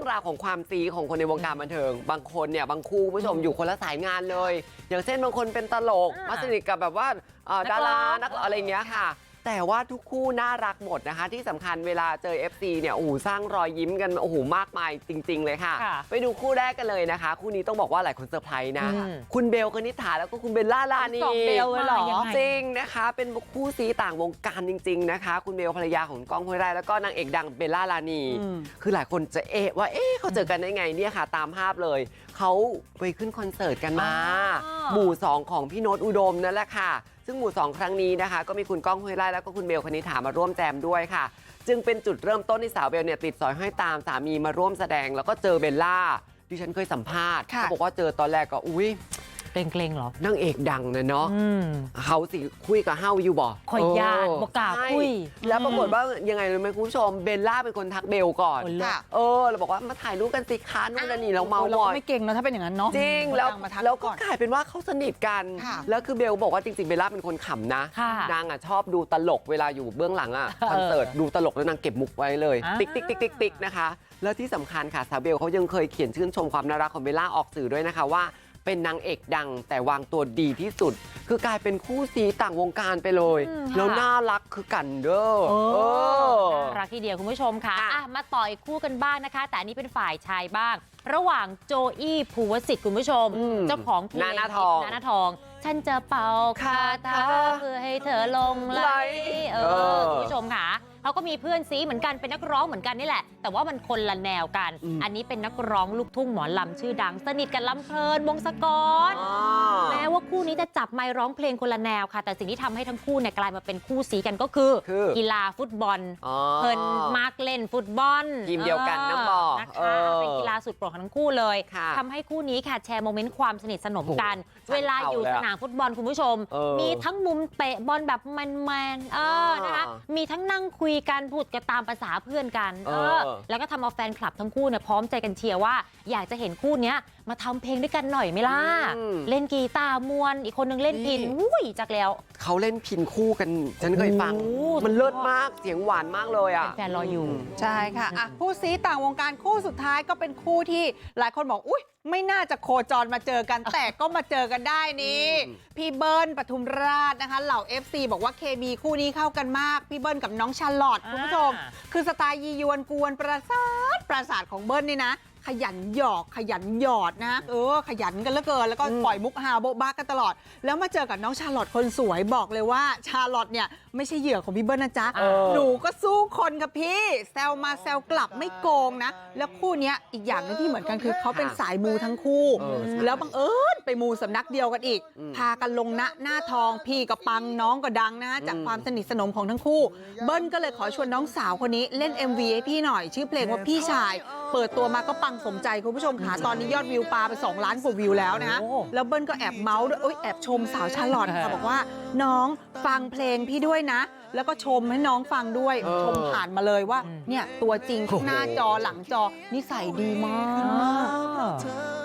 รื่องราวของความซีของคนในวงการบันเทิงบางคนเนี่ยบางคู่ผู้ชมอยู่คนละสายงานเลยอย่างเช่นบางคนเป็นตลกมาสนิทกับแบบว่าดารานักอะไรเงี้ยค่ะแต่ว่าทุกคู่น่ารักหมดนะคะที่สำคัญเวลาเจอ FC เนี่ยโอ้โหสร้างรอยยิ้มกันโอ้โหมากมายจริงๆเลยค่ะไปดูคู่แรกกันเลยนะคะคู่นี้ต้องบอกว่าหลายคนเซอร์ไพรส์นะคุณเบลคณิษฐาแล้วก็คุณเบลล่ารานี 2 เบลเลยเหรอจริงนะคะเป็นคู่ซีต่างวงการจริงๆนะคะคุณเบลภรรยาของก้องห้วยไร่แล้วก็นางเอกดังเบลล่ารานีคือหลายคนจะว่าเขาเจอกันได้ไงเนี่ยค่ะตามภาพเลยเขาไปขึ้นคอนเสิร์ตกันมาหมู่2ของพี่โน้ตอุดมนั่นแหละค่ะซึ่งหมู่2ครั้งนี้นะคะก็มีคุณก้องห้วยไร่แล้วก็คุณเบลคณิษฐามาร่วมแจมด้วยค่ะจึงเป็นจุดเริ่มต้นที่สาวเบลเนี่ยติดสอยห้อยตามสามีมาร่วมแสดงแล้วก็เจอเบลล่าที่ฉันเคยสัมภาษณ์เขาบอกว่าเจอตอนแรกก็อุ้ยเกรงเหรอนางเอกดังนะเนาะเขาสิคุยกับเฮาอยู่บ่คอยญาติบอกกล่าวคุยแล้วปรากฏว่ายังไงรู้ไหมคุณผู้ชมเบลล่าเป็นคนทักเบลก่อนเราบอกว่ามาถ่ายรูปกันสิคะนู่นนี่เราเมาบ่อยไม่เก่งนะถ้าเป็นอย่างนั้นเนาะจริงแล้วก็กลายเป็นว่าเขาสนิทกันแล้วคือเบลบอกว่าจริงๆเบลล่าเป็นคนขำนะนางชอบดูตลกเวลาอยู่เบื้องหลังคอนเสิร์ตดูตลกแล้วนางเก็บมุกไว้เลยติ๊กติ๊กติ๊กติ๊กติ๊กนะคะแล้วที่สำคัญค่ะสาวเบลเขายังเคยเขียนชื่นชมความน่ารักของเบลล่าออกสื่อด้วยนะคะว่าเป็นนางเอกดังแต่วางตัวดีที่สุดคือกลายเป็นคู่ซีต่างวงการไปเลยแล้วน่ารักคือกันเด้อน่ารักทีเดียวคุณผู้ชมค่ะมาต่ออีกคู่กันบ้างนะคะแต่อันนี้เป็นฝ่ายชายบ้างระหว่างโจอี้ภูวสิทธิ์คุณผู้ชมเจ้าของเพลงนาทองฉันจะเป่าคาถาเพื่อให้เธอลงไหลคุณผู้ชมค่ะเขาก็มีเพื่อนซีเหมือนกันเป็นนักร้องเหมือนกันนี่แหละแต่ว่ามันคนละแนวกันอันนี้เป็นนักร้องลูกทุ่งหมอลำชื่อดังสนิทกับลำเพลินวงศกรแม้ว่าคู่นี้จะจับไมค์ร้องเพลงคนละแนวค่ะแต่สิ่งที่ทำให้ทั้งคู่เนี่ยกลายมาเป็นคู่ซีกันก็คือกีฬาฟุตบอลเพลินมาร์กเล่นฟุตบอลทีมเดียวกันน้ำบอกนะคะเป็นกีฬาสุดโปรดของทั้งคู่เลยทำให้คู่นี้ค่ะแชร์โมเมนต์ความสนิทสนมกันเวลาอยู่สนามฟุตบอลคุณผู้ชมมีทั้งมุมเตะบอลแบบแมนนะคะมีทั้งนั่งคุยกันพูดกันตามภาษาเพื่อนกันแล้วก็ทำเอาแฟนคลับทั้งคู่เนี่ยพร้อมใจกันเชียร์ว่าอยากจะเห็นคู่นี้มาทำเพลงด้วยกันหน่อยไหมล่ะเล่นกีตาร์มวนอีกคนนึงเล่นพิณจักแล้วเขาเล่นพิณคู่กันฉันเคยฟังมันเลิศมากเสียงหวานมากเลยแฟนรออยู่ใช่ค่ะคู่ซีต่างวงการคู่สุดท้ายก็เป็นคู่ที่หลายคนบอกอุ๊ยไม่น่าจะโคจรมาเจอกันแต่ก็มาเจอกันได้นี่พี่เบิ้ลปทุมราชนะคะเหล่า FC บอกว่าเคมีคู่นี้เข้ากันมากพี่เบิ้ลกับน้องชาลอตคุณผู้ชมคือสไตล์ยียวนกวนประสาทของเบิ้ลนี่นะขยันหยอกขยันหยอดนะขยันกันเหลือเกินแล้วก็ปล่อยมุกฮาโบ๊ะบ้ากันตลอดแล้วมาเจอกับน้องชาลอตคนสวยบอกเลยว่าชาลอตเนี่ยไม่ใช่เหยื่อของพี่เบิ้ลนะจ๊ะหนูก็สู้คนกับพี่แซวมาแซวกลับไม่โกงนะแล้วคู่นี้อีกอย่างนึงที่เหมือนกันคือเขาเป็นสายมูทั้งคู่แล้วบังเอิญไปมูสำนักเดียวกันอีกพากันลงหน้าทองพี่ก็ปังน้องก็ดังนะจากความสนิทสนมของทั้งคู่เบิ้ลก็เลยขอชวนน้องสาวคนนี้เล่น MV ให้พี่หน่อยชื่อเพลงว่าพี่ชายเปิดตัวมาก็ปังสมใจคุณผู้ชมค่ะตอนนี้ยอดวิวปาไป2 ล้านกว่าวิวแล้วนะแล้วเบิ้ลก็แอบเมาส์ด้วยแอบชมสาวชาลอตค่ะบอกว่าน้องฟังเพลงพี่ด้วยนะแล้วก็ชมให้น้องฟังด้วยชมผ่านมาเลยว่าเนี่ยตัวจริงหน้าจอหลังจอนิสัยดีมาก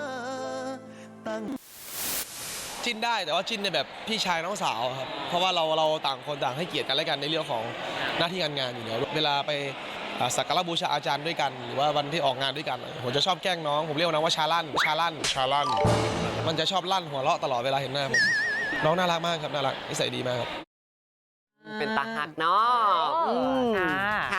จิ้นได้แต่ว่าจิ้นในแบบพี่ชายน้องสาวครับเพราะว่าเราต่างคนต่างให้เกียรติกันและกันในเรื่องของหน้าที่การงานอยู่แล้วเวลาไปสักการะบูชาอาจารย์ด้วยกันหรือว่าวันที่ออกงานด้วยกันผมจะชอบแกล้งน้องผมเรียกน้องว่าชาลั่นมันจะชอบลั่นหัวเราะตลอดเวลาเห็นหน้าผมน้องน่ารักมากครับน่ารักนิสัยดีมากครับเป็นตาหักเนาะ